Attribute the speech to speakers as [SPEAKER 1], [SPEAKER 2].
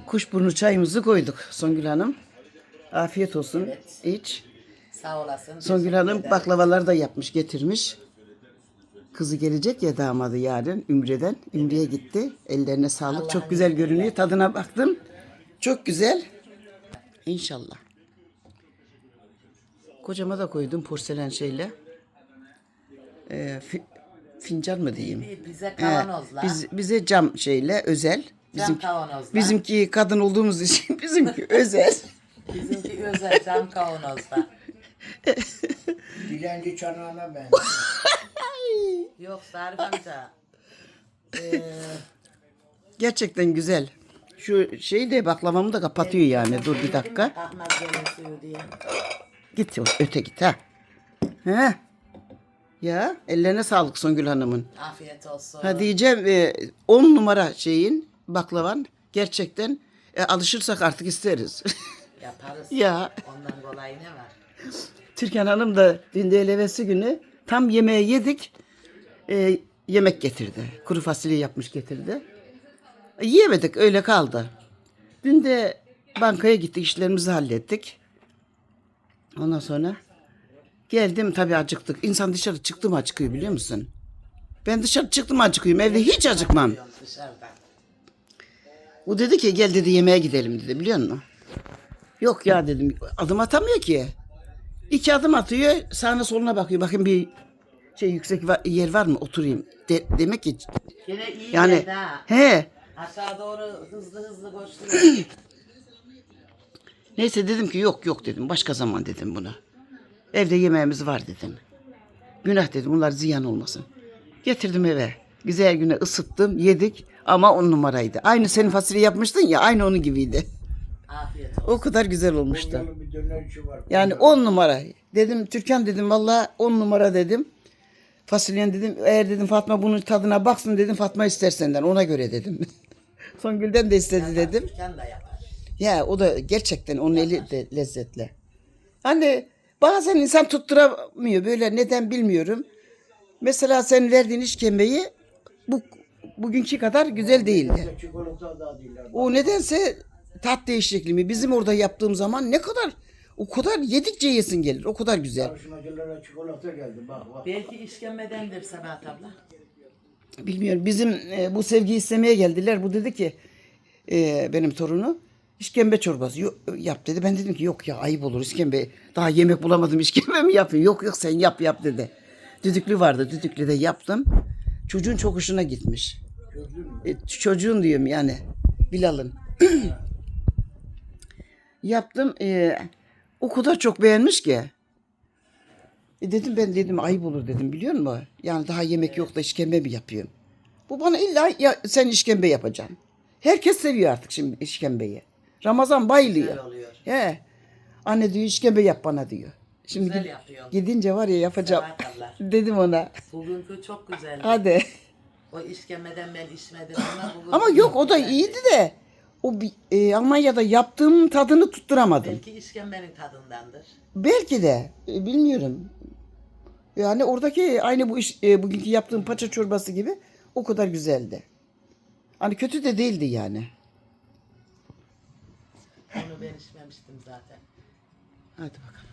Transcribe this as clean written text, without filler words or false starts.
[SPEAKER 1] Kuşburnu çayımızı koyduk Songül Hanım. Afiyet olsun.
[SPEAKER 2] Evet.
[SPEAKER 1] İç.
[SPEAKER 2] Sağ olasın.
[SPEAKER 1] Songül Hanım baklavalar da yapmış, getirmiş. Kızı gelecek ya, damadı yarın Ümre'den. Ümre'ye gitti. Ellerine sağlık.
[SPEAKER 2] Allah'ın
[SPEAKER 1] Çok güzel
[SPEAKER 2] izniyle.
[SPEAKER 1] görünüyor. Tadına baktım. Çok güzel. İnşallah. Kocama da koydum porselen şeyle. Fincan mı diyeyim?
[SPEAKER 2] Bize kavanozla.
[SPEAKER 1] Bize cam şeyle özel.
[SPEAKER 2] Cam kavanozla.
[SPEAKER 1] Bizimki kadın olduğumuz için bizimki özel.
[SPEAKER 2] Bizimki özel cam kavanozda.
[SPEAKER 3] Dilenci çanağına ben.
[SPEAKER 2] Yok Zarif amca.
[SPEAKER 1] Gerçekten güzel. Şu şeyi de baklavamı da kapatıyor yani. Dur bir dakika.
[SPEAKER 2] Ahmet gelin suyu diye.
[SPEAKER 1] Git öte git ha. He. Ya ellerine sağlık Songül Hanım'ın.
[SPEAKER 2] Afiyet olsun.
[SPEAKER 1] Ha diyeceğim 10 numara şeyin baklavan gerçekten alışırsak artık isteriz.
[SPEAKER 2] Yaparız.
[SPEAKER 1] Ya.
[SPEAKER 2] Ondan kolay ne var?
[SPEAKER 1] Türkan Hanım da dün de elevesi günü tam yemeği yedik. Yemek getirdi. Kuru fasulye yapmış getirdi. Yiyemedik, öyle kaldı. Dün de bankaya gittik, işlerimizi hallettik. Ondan sonra geldim, tabii acıktık. İnsan dışarı çıktı mı acıkıyor, biliyor musun? Ben dışarı çıktım acıkıyorum. Evde hiç acıkmam.
[SPEAKER 2] Dışarıda.
[SPEAKER 1] O dedi ki gel dedi yemeğe gidelim dedi, biliyor musun? Yok ya dedim, adım atamıyor ki. 2 adım atıyor, sağına soluna bakıyor. Bakın bir şey yüksek yer var mı, oturayım. Demek ki
[SPEAKER 2] Gene iyi
[SPEAKER 1] yani
[SPEAKER 2] geldi ha.
[SPEAKER 1] he.
[SPEAKER 2] Aşağı doğru hızlı hızlı koşturuyor.
[SPEAKER 1] Neyse dedim ki yok dedim, başka zaman dedim buna. Evde yemeğimiz var dedim. Günah dedim, bunlar ziyan olmasın. Getirdim eve. Güzel güne ısıttım, yedik ama 10 numaraydı. Aynı senin fasulye yapmıştın ya, aynı onun gibiydi.
[SPEAKER 2] Afiyet olsun.
[SPEAKER 1] O kadar güzel olmuştu.
[SPEAKER 3] Konyalı bir dönerci var.
[SPEAKER 1] Yani 10 numara. Dedim Türkan dedim, vallahi 10 numara dedim. Fasulyen dedim, eğer dedim Fatma bunun tadına baksın dedim, Fatma ister senden, ona göre dedim. Songül'den de istedi dedim.
[SPEAKER 2] Türkan da yapar.
[SPEAKER 1] Ya o da gerçekten onun eli de lezzetli. Hani bazen insan tutturamıyor böyle, neden bilmiyorum. Mesela sen verdiğin işkembeyi bugünkü kadar güzel değildi.
[SPEAKER 3] Çikolata da değiller.
[SPEAKER 1] O nedense tat değişikliği mi? Bizim orada yaptığım zaman o kadar yedikçe yesin gelir. O kadar güzel.
[SPEAKER 3] Yarışmacılara çikolata geldi bak.
[SPEAKER 2] Belki işkembedendir Sabahat abla.
[SPEAKER 1] Bilmiyorum. Bizim bu sevgiyi istemeye geldiler. Bu dedi ki benim torunu işkembe çorbası yap dedi. Ben dedim ki yok ya, ayıp olur işkembe. Daha yemek bulamadım, işkembe mi yapayım? Yok sen yap dedi. Düdüklü vardı. Düdüklü de yaptım. Çocuğun çok hoşuna gitmiş. Çocuğun diyorum yani. Bilal'ın. Yaptım. O kadar çok beğenmiş ki. Dedim ayıp olur dedim, biliyor musun? Yani daha yemek yok da işkembe mi yapıyorum? Bu bana illa ya, sen işkembe yapacaksın. Herkes seviyor artık şimdi işkembeyi. Ramazan bayılıyor.
[SPEAKER 2] Güzel oluyor.
[SPEAKER 1] He. Anne diyor işkembe yap bana diyor. Şimdi
[SPEAKER 2] Güzel yapıyor.
[SPEAKER 1] gidince var ya yapacağım.
[SPEAKER 2] Sabahat abla.
[SPEAKER 1] Dedim ona.
[SPEAKER 2] Bugünkü çok güzeldi.
[SPEAKER 1] Hadi.
[SPEAKER 2] O işkembeden ben içmedim ama bugün
[SPEAKER 1] Ama yok, o da iyiydi de. Almanya'da yaptığım tadını tutturamadım.
[SPEAKER 2] Belki işkembenin tadındandır.
[SPEAKER 1] Belki de bilmiyorum. Yani oradaki aynı bugünkü yaptığım paça çorbası gibi o kadar güzeldi. Hani kötü de değildi yani.
[SPEAKER 2] Onu ben içmemiştim zaten.
[SPEAKER 1] Hadi bakalım.